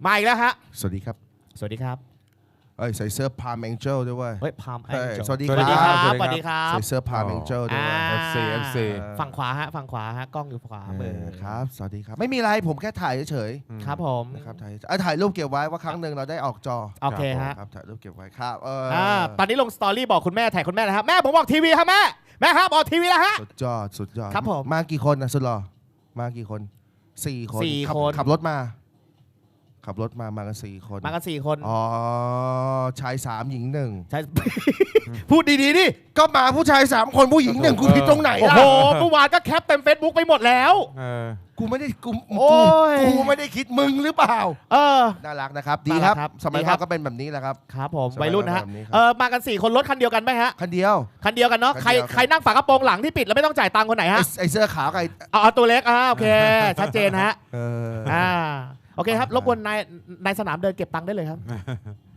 มาอีกแล้วฮะสวัสดีครับสวัสดีครับใส่เสื้อพาร์มแองเจิลด้วยเวยเฮ้ยพามแอเฮ้งยเจิลสวัสดีสวัสดีคครัรับ บสวัสดีครับใส่เสื้อพาร์มแองเจิลด้วย FC ฝั่งขวาฮะฝั่งขวาฮะกล้องอยู่ขวามือครับ สวัสดีครับ ไม่มีอะไรผมแค่ถ่ายเฉยครับผมๆนะครับถ่ายรูปเก็บไว้ว่าครั้งหนึ่งเราได้ออกจอโอเคฮะครับถ่ายรูปเก็บไว้ครับตอนนี้ลงสตอรี่บอกคุณแม่ถ่ายคุณแม่นะครับแม่ผมบอกทีวีครับแม่ครับออกทีวีแล้วฮะสุดยอดครับผมมากี่คนนะสุดหล่อมากี่คน4 คน 4 คนขับรถมามากัน4 คนมากัน4 คนอ๋อชาย3หญิง1 ใช่ พูดดีๆดิก็มาผู้ชาย3 คนผู้หญิง1กูผิดตรงไหนโอ้ล่ะโหเมื่อวานก็แคปเต็ม Facebook ไปหมดแล้วกูไม่ได้กูโอ้ยกูไม่ได้คิดมึงหรือเปล่า น่ารักนะครับ ดีครับน่ารักครับสมัยดีครัเราบก็เป็นแบบนี้แหละครับครับผมสบายวัยรุ่นนะฮะแบบนี้ครับมากัน4 คนรถคันเดียวกันไหมฮะคันเดียวคันเดียวกันเนาะคันใครเดียวใครนั่งฝากระโปรงหลังที่ปิดแล้วไม่ต้องจ่ายตังค์คนไหนฮะไอเสื้อขาวกับไอเอาตัวเล็กโอเค ชัดเจนฮะเออโอเคครับรบกวนนายสนามเดินเก็บตังค์ได้เลยครับ